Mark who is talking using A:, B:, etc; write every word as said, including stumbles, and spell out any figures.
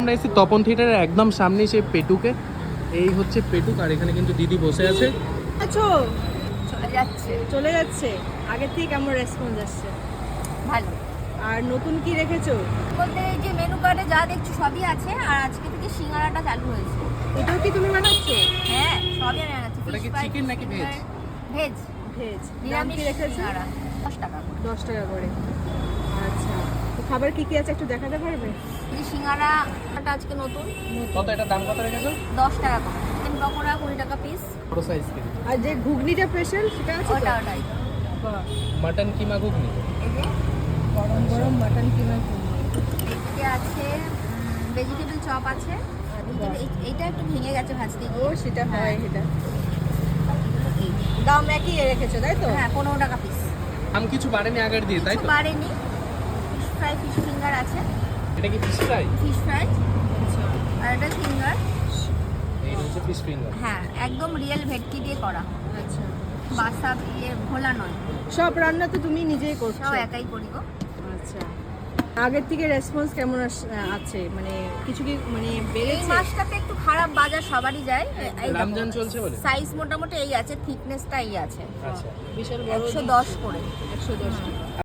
A: আমরা এসেছি তপন থিয়েটারের একদম সামনে সেই পেটুকে। এই হচ্ছে পেটুক, আর এখানে কিন্তু দিদি বসে আছে।
B: আছো
C: চলে যাচ্ছে
B: চলে যাচ্ছে। আগের থেকে কেমন রেসপন্স আসছে?
C: ভালো।
B: আর নতুন কি রেখেছো?
C: বলতে এই যে মেনু কার্ডে যা দেখছো সবই আছে, আর আজকে থেকে সিঙ্গারাটা চালু হয়েছে।
B: এটাও কি তুমি বানাচ্ছো?
C: হ্যাঁ, সবই আমি বানাচ্ছি।
A: ওটা কি chicken নাকি veg?
C: Veg,
B: veg. দাম
C: নিরামিষ
B: কি রেখেছো?
C: সিঙ্গারা দশ টাকা করে।
B: দশ টাকা করে। আচ্ছা, তো খাবার কি কি আছে একটু দেখাতে পারবে?
C: এই সিঙ্গারাটা আজকে নতুন
A: কত এটা দাম কত রেখেছো?
C: দশ টাকা করে। চিকেন পকোড়া কুড়ি টাকা পিস।
A: বড় সাইজ কি?
B: আর যে ঘুগনিটা স্পেশাল সেটা আছে তো?
C: ওটা ওটাই
B: বাহ,
A: মাটন কিমা ঘুগনি।
C: এই যে
B: গরম গরম মাটন কিমা ঘুগনি।
C: এদিকে আছে ভেজিটেবল চপ আছে।
B: বাহ।
C: এই- এইটা একটু ভেঙে গেছে ভাজতে
B: ও
C: গিয়ে।
B: সেটা হয়
C: হ্যাঁ।
B: সেটা।
C: এই যে।
B: দাম একই রেখেছো তাই তো?
C: হ্যাঁ, পনেরো টাকা পিস।
A: দাম কিছু বাড়েনি আগের দিয়ে, তাই
C: কিছু
A: তো?
C: বাড়েনি। ফিশ ফ্রাই, ফিশ ফিঙ্গার আছে।
A: এটা কি ফিশ ফ্রাই?
C: ফিশ ফ্রাই
B: আচ্ছা।
C: আর এটা ফিঙ্গার।
A: এই হচ্ছে ফিশ ফিঙ্গার।
C: হ্যাঁ, একদম রিয়েল ভেটকি দিয়ে করা।
B: আচ্ছা,
C: বাসা ইয়ে ভোলা নয়,
B: সব রান্না তো তুমি নিজেই করছো?
C: সব একাই করি গো।
B: আচ্ছা, আগের থেকে রেসপন্স কেমন আস- আছে? মানে কিছু কি মানে
C: এই
B: বেড়েছে?
C: মাসটাতে একটু খারাপ বাজার সবারই যায়।
A: রমজান চলছে বলে?
C: সাইজ মোটামুটি এই আছে, থিকনেসটা এই আছে।
A: আচ্ছা।
B: বিশাল বড়
C: একশো দশ করে।
B: একশো দশ টাকা।